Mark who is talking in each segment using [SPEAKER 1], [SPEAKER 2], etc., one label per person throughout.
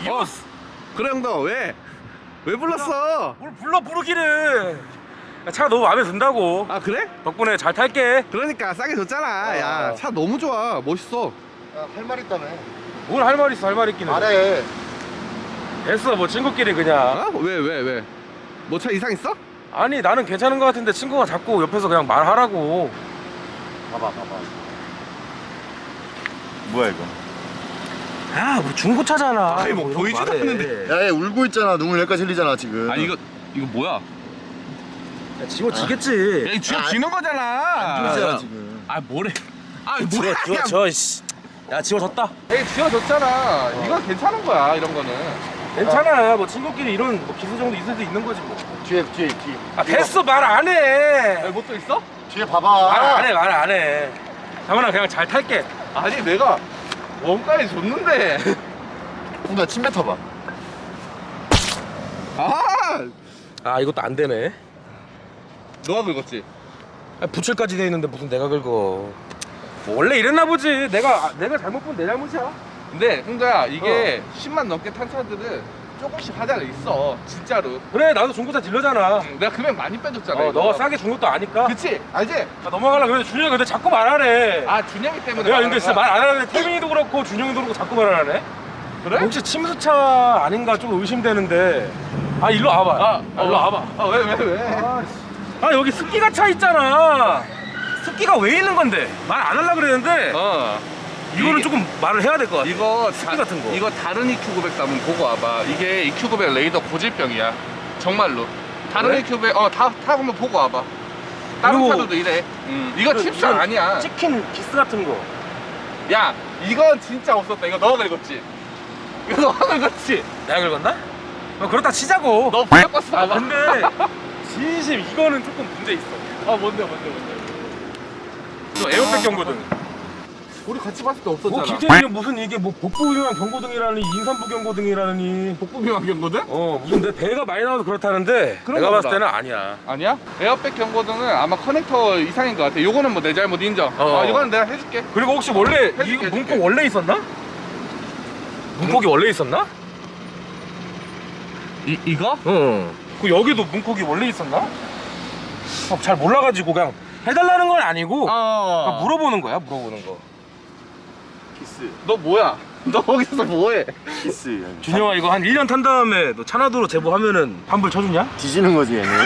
[SPEAKER 1] 그래 형도 왜 불렀어?
[SPEAKER 2] 뭘 불러 부르기를. 야, 차가 너무 마음에 든다고.
[SPEAKER 1] 아 그래?
[SPEAKER 2] 덕분에 잘 탈게.
[SPEAKER 1] 그러니까 싸게 줬잖아. 야 차 너무 좋아. 멋있어.
[SPEAKER 3] 야, 할 말 있다며.
[SPEAKER 2] 뭘 할 말 있어, 할 말 있기는.
[SPEAKER 3] 말해.
[SPEAKER 2] 됐어, 뭐 친구끼리 그냥.
[SPEAKER 1] 어? 왜? 뭐 차 이상 있어?
[SPEAKER 2] 아니 나는 괜찮은 거 같은데 친구가 자꾸 옆에서 그냥 말하라고.
[SPEAKER 3] 봐봐. 뭐야 이거?
[SPEAKER 2] 야, 뭐 중고차잖아.
[SPEAKER 1] 아니, 뭐
[SPEAKER 2] 이런 거
[SPEAKER 1] 보이지도
[SPEAKER 2] 말해.
[SPEAKER 1] 않는데.
[SPEAKER 3] 야, 얘 울고 있잖아. 눈물 여기까지 흘리잖아 지금.
[SPEAKER 1] 아니 이거 뭐야?
[SPEAKER 2] 야, 지워지겠지.
[SPEAKER 1] 야 이거 쥐어 지는 거잖아.
[SPEAKER 3] 안 좋잖아 지금.
[SPEAKER 1] 아 뭐래? 아 뭐야?
[SPEAKER 2] 지워져, 씨. 야, 지워졌다.
[SPEAKER 1] 에이 쥐어줬잖아. 이건 괜찮은 거야 이런 거는.
[SPEAKER 2] 괜찮아. 뭐 친구끼리 이런 뭐 기술 정도 있을 수 있는 거지 뭐.
[SPEAKER 3] 뒤에.
[SPEAKER 2] 아, 됐어. 말 안 해.
[SPEAKER 1] 뭐 또 있어?
[SPEAKER 3] 뒤에 봐봐.
[SPEAKER 2] 말 안 해. 장훈아, 그냥 잘 탈게.
[SPEAKER 1] 아니 내가 원가에 줬는데.
[SPEAKER 3] 나 침 뱉어봐.
[SPEAKER 2] 아, 이것도 안 되네.
[SPEAKER 1] 너가 긁었지?
[SPEAKER 2] 아, 부칠까지 돼 있는데 무슨 내가 긁어. 뭐 원래 이랬나 보지. 내가 잘못 본 내 잘못이야.
[SPEAKER 1] 근데 흥자야 이게 10만 넘게 탄 차들은 조금씩 하자가 있어 진짜로.
[SPEAKER 2] 그래, 나도 중고차 딜러잖아.
[SPEAKER 1] 내가 금액 많이 빼줬잖아. 이거.
[SPEAKER 2] 너가 싸게 준 것도 아니까.
[SPEAKER 1] 그치? 알지?
[SPEAKER 2] 아, 넘어가려고 그래. 준영이 근데 자꾸 말하네.
[SPEAKER 1] 아 준영이 때문에
[SPEAKER 2] 내가
[SPEAKER 1] 말하는
[SPEAKER 2] 근데 진짜
[SPEAKER 1] 거야?
[SPEAKER 2] 말 안 하는데 태민이도 그렇고 준영이도 그렇고 자꾸 말하네.
[SPEAKER 1] 그래?
[SPEAKER 2] 혹시 침수차 아닌가 좀 의심되는데. 아, 일로 와봐. 일로 와봐.
[SPEAKER 1] 왜?
[SPEAKER 2] 아, 여기 습기가 차 있잖아. 습기가 왜 있는 건데? 말 안 하려고 그랬는데 이거는 조금 말을 해야 될 것 같아.
[SPEAKER 1] 이거
[SPEAKER 2] 습기 같은 거.
[SPEAKER 1] 이거 다른 EQ900도 한번 보고 와봐. 이게 EQ900 레이더 고질병이야. 정말로. 다른
[SPEAKER 2] 그래?
[SPEAKER 1] EQ900 다 한번 보고 와봐. 다른
[SPEAKER 2] 그리고
[SPEAKER 1] 차들도 이래. 이거 칩사
[SPEAKER 2] 이건
[SPEAKER 1] 아니야.
[SPEAKER 2] 찍힌 기스 같은 거.
[SPEAKER 1] 야 이건 진짜 없었다. 이거 너가 긁었지? 이거 너가 긁었지?
[SPEAKER 2] 내가 긁었나? 그렇다 치자고.
[SPEAKER 1] 너 블랙버스
[SPEAKER 2] 아,
[SPEAKER 1] 봐봐.
[SPEAKER 2] 근데 진심 이거는 조금 문제 있어.
[SPEAKER 1] 뭔데?
[SPEAKER 2] 너 에어백 경고등.
[SPEAKER 1] 우리 같이 봤을 때
[SPEAKER 2] 뭐
[SPEAKER 1] 없었잖아.
[SPEAKER 2] 김태균이 무슨 이게 뭐 복부 위반 경고등이라니 인산부 경고등이라니.
[SPEAKER 1] 복부비만 경고등?
[SPEAKER 2] 무슨 내 배가 많이 나와서 그렇다는데
[SPEAKER 1] 그런가
[SPEAKER 2] 내가 봤을
[SPEAKER 1] 보다.
[SPEAKER 2] 때는 아니야.
[SPEAKER 1] 아니야? 에어백 경고등은 아마 커넥터 이상인 것 같아. 요거는 뭐 내 잘못 인정. 이거는 내가 해줄게.
[SPEAKER 2] 그리고 혹시 원래 이
[SPEAKER 1] 해줄게.
[SPEAKER 2] 문콕 원래 있었나? 문콕이 원래 있었나?
[SPEAKER 1] 이거?
[SPEAKER 2] 응. 그 여기도 문콕이 원래 있었나? 잘 몰라가지고 그냥 해달라는 건 아니고 그냥 물어보는 거야, 물어보는 거.
[SPEAKER 3] 키스.
[SPEAKER 1] 너 뭐야? 너 거기서 뭐해?
[SPEAKER 3] 키스.
[SPEAKER 2] 준영아, 이거 한 1년 탄 다음에 너 차나도로 제보하면은 환불 쳐주냐?
[SPEAKER 3] 뒤지는 거지 얘는.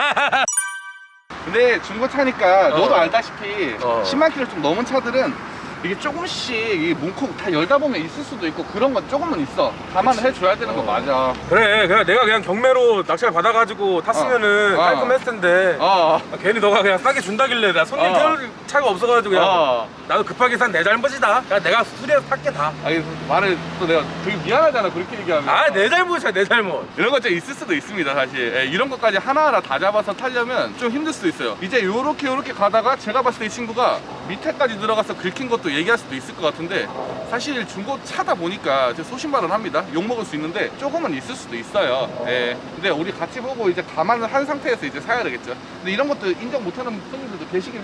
[SPEAKER 1] 근데 중고차니까 너도 알다시피 10만 킬로 좀 넘은 차들은 이게 조금씩 이 문콕 다 열다 보면 있을 수도 있고 그런 건 조금은 있어. 감안을 해줘야 되는 거 맞아.
[SPEAKER 2] 그래, 내가 그냥 경매로 낚시를 받아가지고 탔으면은 깔끔했을 텐데 괜히 너가 그냥 싸게 준다길래 나 손님 태울 차가 없어가지고 그냥 나도 급하게 산 내 잘못이다. 그냥 내가 수리해서 탈게 다.
[SPEAKER 1] 아니 말을 또 내가 되게 미안하잖아 그렇게 얘기하면.
[SPEAKER 2] 내 잘못이야, 내 잘못.
[SPEAKER 1] 이런 거 좀 있을 수도 있습니다 사실. 이런 것까지 하나하나 다 잡아서 타려면 좀 힘들 수도 있어요. 이제 요렇게 가다가 제가 봤을 때 이 친구가 밑에까지 들어가서 긁힌 것도 얘기할 수도 있을 것 같은데 사실 중고차다 보니까 제가 소신발언합니다. 욕먹을 수 있는데 조금은 있을 수도 있어요. 근데 우리 같이 보고 이제 감안을 한 상태에서 이제 사야 되겠죠. 근데 이런 것도 인정 못하는 손님들도 계시긴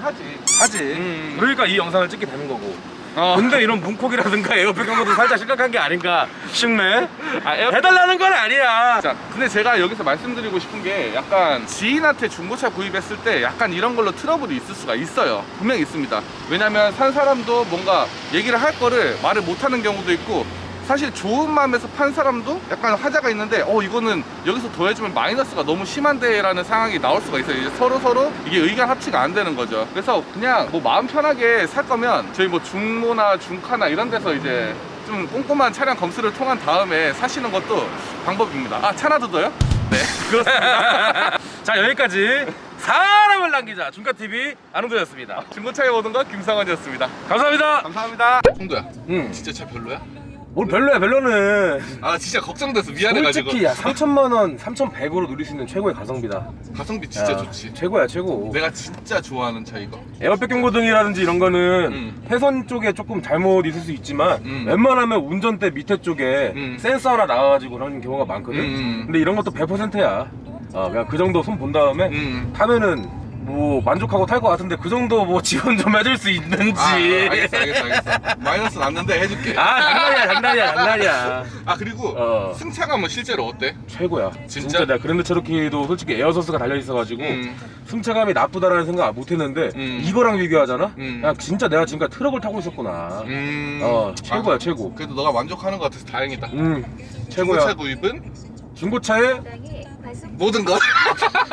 [SPEAKER 1] 하지.
[SPEAKER 2] 그러니까 이 영상을 찍게 되는 거고. 근데 이런 문콕이라든가 에어백 경고도 살짝 심각한 게 아닌가 싶네. 해달라는 건 아니야.
[SPEAKER 1] 자, 근데 제가 여기서 말씀드리고 싶은 게 약간 지인한테 중고차 구입했을 때 약간 이런 걸로 트러블이 있을 수가 있어요. 분명히 있습니다. 왜냐면 산 사람도 뭔가 얘기를 할 거를 말을 못하는 경우도 있고 사실 좋은 마음에서 판 사람도 약간 화자가 있는데 이거는 여기서 더해주면 마이너스가 너무 심한데 라는 상황이 나올 수가 있어요. 이제 서로 이게 의견 합치가 안 되는 거죠. 그래서 그냥 뭐 마음 편하게 살 거면 저희 뭐 중모나 중카나 이런 데서 이제 좀 꼼꼼한 차량 검수를 통한 다음에 사시는 것도 방법입니다. 차나도 더요? 네, 그렇습니다.
[SPEAKER 2] 자, 여기까지 사람을 남기자 중카TV 안홍도였습니다.
[SPEAKER 1] 중고차에 오는 건 김상원이었습니다.
[SPEAKER 2] 감사합니다.
[SPEAKER 1] 감사합니다. 홍도야, 진짜 차 별로야?
[SPEAKER 2] 뭘 별로야, 별로는.
[SPEAKER 1] 진짜 걱정돼서 미안해가지고.
[SPEAKER 2] 솔직히 3천만 원, 3,100으로 누릴 수 있는 최고의 가성비다.
[SPEAKER 1] 가성비 진짜 좋지.
[SPEAKER 2] 최고야, 최고.
[SPEAKER 1] 내가 진짜 좋아하는 차 이거.
[SPEAKER 2] 에어백 경고등이라든지 이런 거는 회선 쪽에 조금 잘못 있을 수 있지만 웬만하면 운전대 밑에 쪽에 센서 하나 나와가지고 그런 경우가 많거든. 근데 이런 것도 100%야. 그냥 그 정도 손 본 다음에 타면은 뭐 만족하고 탈 것 같은데 그 정도 뭐 지원 좀 해줄 수 있는지.
[SPEAKER 1] 알겠어. 마이너스 났는데 해줄게.
[SPEAKER 2] 장난이야.
[SPEAKER 1] 아 그리고 승차감은 실제로 어때?
[SPEAKER 2] 최고야.
[SPEAKER 1] 진짜?
[SPEAKER 2] 내가 그랜드 체로키도 솔직히 에어소스가 달려 있어가지고 승차감이 나쁘다라는 생각 못했는데 이거랑 비교하잖아. 야 진짜 내가 지금까지 트럭을 타고 있었구나. 최고야 최고.
[SPEAKER 1] 그래도 너가 만족하는 것 같아서 다행이다.
[SPEAKER 2] 최고야.
[SPEAKER 1] 중고차 구입은
[SPEAKER 2] 중고차에
[SPEAKER 1] 모든 것.